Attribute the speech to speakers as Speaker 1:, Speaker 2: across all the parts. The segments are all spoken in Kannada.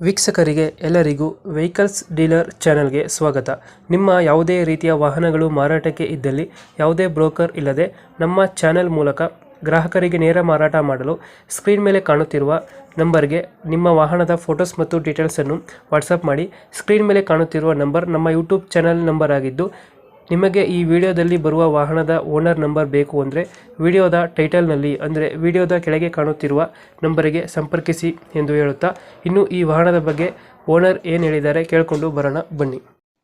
Speaker 1: ವೀಕ್ಷಕರಿಗೆ ಎಲ್ಲರಿಗೂ ವೆಹಿಕಲ್ಸ್ ಡೀಲರ್ ಚಾನೆಲ್ಗೆ ಸ್ವಾಗತ. ನಿಮ್ಮ ಯಾವುದೇ ರೀತಿಯ ವಾಹನಗಳು ಮಾರಾಟಕ್ಕೆ ಇದ್ದಲ್ಲಿ ಯಾವುದೇ ಬ್ರೋಕರ್ ಇಲ್ಲದೆ ನಮ್ಮ ಚಾನೆಲ್ ಮೂಲಕ ಗ್ರಾಹಕರಿಗೆ ನೇರ ಮಾರಾಟ ಮಾಡಲು ಸ್ಕ್ರೀನ್ ಮೇಲೆ ಕಾಣುತ್ತಿರುವ ನಂಬರ್ಗೆ ನಿಮ್ಮ ವಾಹನದ ಫೋಟೋಸ್ ಮತ್ತು ಡೀಟೇಲ್ಸನ್ನು ವಾಟ್ಸಪ್ ಮಾಡಿ. ಸ್ಕ್ರೀನ್ ಮೇಲೆ ಕಾಣುತ್ತಿರುವ ನಂಬರ್ ನಮ್ಮ ಯೂಟ್ಯೂಬ್ ಚಾನೆಲ್ ನಂಬರ್ ಆಗಿದ್ದು, ನಿಮಗೆ ಈ ವಿಡಿಯೋದಲ್ಲಿ ಬರುವ ವಾಹನದ ಓನರ್ ನಂಬರ್ ಬೇಕು ಅಂದರೆ ವಿಡಿಯೋದ ಟೈಟಲ್ನಲ್ಲಿ ಅಂದರೆ ವಿಡಿಯೋದ ಕೆಳಗೆ ಕಾಣುತ್ತಿರುವ ನಂಬರಿಗೆ ಸಂಪರ್ಕಿಸಿ ಎಂದು ಹೇಳುತ್ತಾ, ಇನ್ನು ಈ ವಾಹನದ ಬಗ್ಗೆ ಓನರ್ ಏನು ಹೇಳಿದ್ದಾರೆ ಕೇಳಿಕೊಂಡು ಬರೋಣ ಬನ್ನಿ.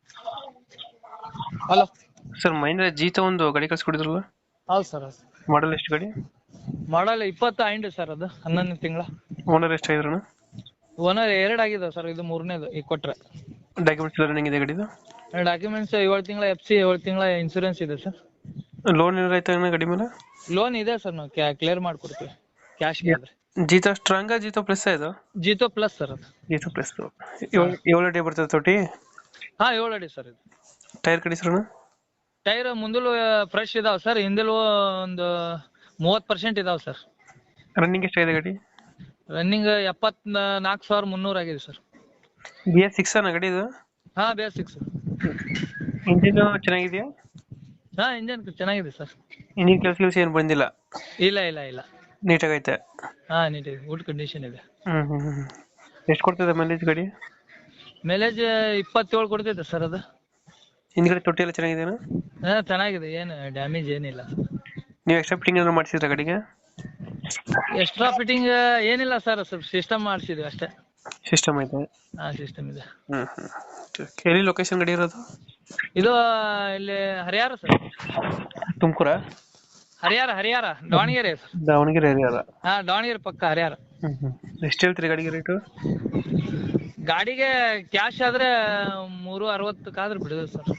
Speaker 2: ಹಲೋ
Speaker 1: ಸರ್, ಮಹೇಂದ್ರ ಜೀತ ಒಂದು ಗಾಡಿ ಕಳ್ಸಿಕೊಡಿದ್ರಲ್ಲ,
Speaker 2: ಹೌದು ಸರ್.
Speaker 1: ಮಾಡಲ್ ಎಷ್ಟು ಗಾಡಿ?
Speaker 2: Model 20 sir. ಅದು 11 ತಿಂಗಳ.
Speaker 1: ಓನರ್ ಎಷ್ಟಾಗಿದ್ರಣ?
Speaker 2: ಓನರ್ 2 ಆಗಿದೆ ಸರ್. ಇದು 3ನೇದು ಈಗ ಕೊಟ್ರೆ.
Speaker 1: ಡಾಕ್ಯುಮೆಂಟ್ಸ್ ಎಲ್ಲ ರನ್ನಿಂಗ್ ಇದೆ ಗಾಡಿದು?
Speaker 2: ಡಾಕ್ಯುಮೆಂಟ್ಸ್ 7 ತಿಂಗಳ FC, 7 ತಿಂಗಳ ಇನ್ಸೂರೆನ್ಸ್ ಇದೆ ಸರ್.
Speaker 1: ಲೋನ್ ಏನಾರ ಆಯ್ತಾ ಗಾಡಿ ಮೇಲೆ?
Speaker 2: ಲೋನ್ ಇದೆ ಸರ್, ನಾವು ಕ್ಲಿಯರ್ ಮಾಡ್ಕೊಡ್ತೀವಿ ಕ್ಯಾಶ್ ಆದ್ರೆ.
Speaker 1: ಜೀತ ಸ್ಟ್ರಾಂಗ್ ಜೀತ ಪ್ಲಸ್ ಇದು?
Speaker 2: ಜೀತೋ ಪ್ಲಸ್ ಸರ್ ಅದು.
Speaker 1: ಜೀತ ಪ್ಲಸ್ 7 ಅಡಿ ಬರ್ತದೆ ತೊಟಿ?
Speaker 2: ಹಾ, 7 ಅಡಿ ಸರ್ ಇದು.
Speaker 1: ಟೈರ್ ಕಡಿಸ್ರಣ?
Speaker 2: ಟೈರ್ ಮುಂದಲು ಫ್ರೆಶ್ ಇದಾವ ಸರ್, ಹಿಂದಲು ಒಂದು 30% ಇದಾವ ಸರ್.
Speaker 1: ರನ್ನಿಂಗ್ ಎಷ್ಟಾಗಿದೆ ಗಾಡಿ?
Speaker 2: ರನ್ನಿಂಗ್ 74,300 ಆಗಿದೆ ಸರ್.
Speaker 1: BS6 ಅನ್ನ ಗಾಡಿ ಇದು?
Speaker 2: ಹಾ, ಬೇಸಿಕ್ ಸರ್.
Speaker 1: ಇಂಜಿನ್ ಚೆನ್ನಾಗಿದೆಯಾ?
Speaker 2: ಹಾ, ಇಂಜನ್ ಚೆನ್ನಾಗಿದೆ ಸರ್.
Speaker 1: ಇಂಜಿನ್ ಕೆಲಸ ಏನು ಬಂದಿಲ್ಲ?
Speaker 2: ಇಲ್ಲ ಇಲ್ಲ ಇಲ್ಲ,
Speaker 1: ನೀಟಾಗೈತೆ?
Speaker 2: ಹಾ, ನೀಟ್ ಇದೆ, ಗುಡ್ ಕಂಡೀಷನ್ ಇದೆ.
Speaker 1: ಎಷ್ಟು ಕೊಡ್ತದೆ ಮೈಲೇಜ್ ಗಾಡಿ?
Speaker 2: ಮೈಲೇಜ್ 27 ಕೊಡ್ತೈತೆ ಸರ್ ಅದು.
Speaker 1: ಹಿಂದ್ಗಡೆ ತೊಟ್ಟಿ ಎಲ್ಲ ಚೆನ್ನಾಗಿದೆಯಾ?
Speaker 2: ಹಾ, ಚೆನ್ನಾಗಿದೆ, ಏನು ಡ್ಯಾಮೇಜ್ ಏನಿಲ್ಲ.
Speaker 1: ನೀವು ಎಕ್ಸ್ಟ್ರಾ ಫಿಟ್ಟಿಂಗ್ ಏನಾದ್ರು ಮಾಡಿಸಿದ್ರ ಗಾಡಿಗೆ?
Speaker 2: ಎಕ್ಸ್ಟ್ರಾ ಫಿಟ್ಟಿಂಗ್ ಏನಿಲ್ಲ ಸರ್, ಸ್ವಲ್ಪ ಸಿಸ್ಟಮ್ ಮಾಡಿಸಿದ್ವಿ ಅಷ್ಟೇ.
Speaker 1: ಸಿಸ್ಟಮ್ ಐತೆ?
Speaker 2: ಹಾ, ಸಿಸ್ಟಮ್ ಇದೆ.
Speaker 1: ಎಲ್ಲಿ ಲೊಕೇಶನ್ ಗಾಡಿ ಇರೋದು?
Speaker 2: ಇದು ಇಲ್ಲಿ Harihar sir.
Speaker 1: Tumkur?
Speaker 2: Harihar Davanagere sir.
Speaker 1: Davanagere area?
Speaker 2: ಹಾ, ದಾವಣಗೆರೆ ಪಕ್ಕ ಹರಿಹರ.
Speaker 1: ಎಷ್ಟು ಹೇಳ್ತೀರಿ ಗಾಡಿಗೆ ರೇಟು?
Speaker 2: ಗಾಡಿಗೆ ಕ್ಯಾಶ್ ಆದ್ರೆ 360 ಆದ್ರೆ ಬಿಡುದು ಸರ್.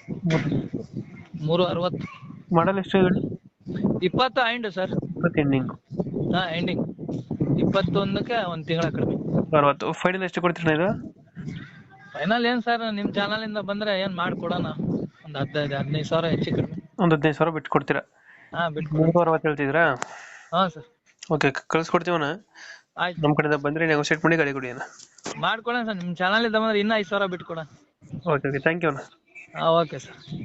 Speaker 2: 360.
Speaker 1: ಮಾಡಲ್ ಎಷ್ಟು ಗಾಡಿ?
Speaker 2: 20 ಸರ್.
Speaker 1: 20 ಎಂಡಿಂಗ್?
Speaker 2: ಹಾ, ಎಂಡಿಂಗ್ 21ಕ್ಕೆ 1 ತಿಂಗಳ ಕಡಿಮೆ.
Speaker 1: 60. ಫೈನಲ್ ಎಷ್ಟು ಕೊಡ್ತೀರಿ ಇದು?
Speaker 2: ಫೈನಲ್ ಏನ್ ಸರ್, ನಿಮ್ ಚಾನಲ್ ಇಂದ ಬಂದ್ರೆ ಏನ್ ಮಾಡ್ಕೊಡೋಣ, ಒಂದ್ 15 ಸಾವಿರ ಹೆಚ್ಚು ಕಡಿಮೆ.
Speaker 1: ಒಂದು 15,000 ಬಿಟ್ಟು ಕೊಡ್ತೀರಾ?
Speaker 2: ಹಾ, ಬಿಟ್ಟು.
Speaker 1: 360 ಹೇಳ್ತಿದ್ರಾ?
Speaker 2: ಹಾ ಸರ್.
Speaker 1: ಓಕೆ, ಕಳ್ಸ್ಕೊಡ್ತೀವಣ್ಣ.
Speaker 2: ಆಯ್ತು,
Speaker 1: ನಮ್ಮ ಕಡೆಯಿಂದ ಬಂದ್ರೆ ನೆಗೋಸಿಯೇಟ್ ಮಾಡಿ ಗಾಡಿ ಕೊಡಿ ಅಣ್ಣ.
Speaker 2: ಮಾಡ್ಕೊಡೋಣ ಸರ್. ನಿಮ್ ಚಾನಲ್ ಇಂದ ಬಂದ್ರೆ ಇನ್ನೂ 5 ಸಾವಿರ ಬಿಟ್ಟು ಕೊಡೋಣ.
Speaker 1: ಓಕೆ, ಥ್ಯಾಂಕ್ ಯು ಅಣ್ಣ.
Speaker 2: ಹಾ, ಓಕೆ ಸರ್.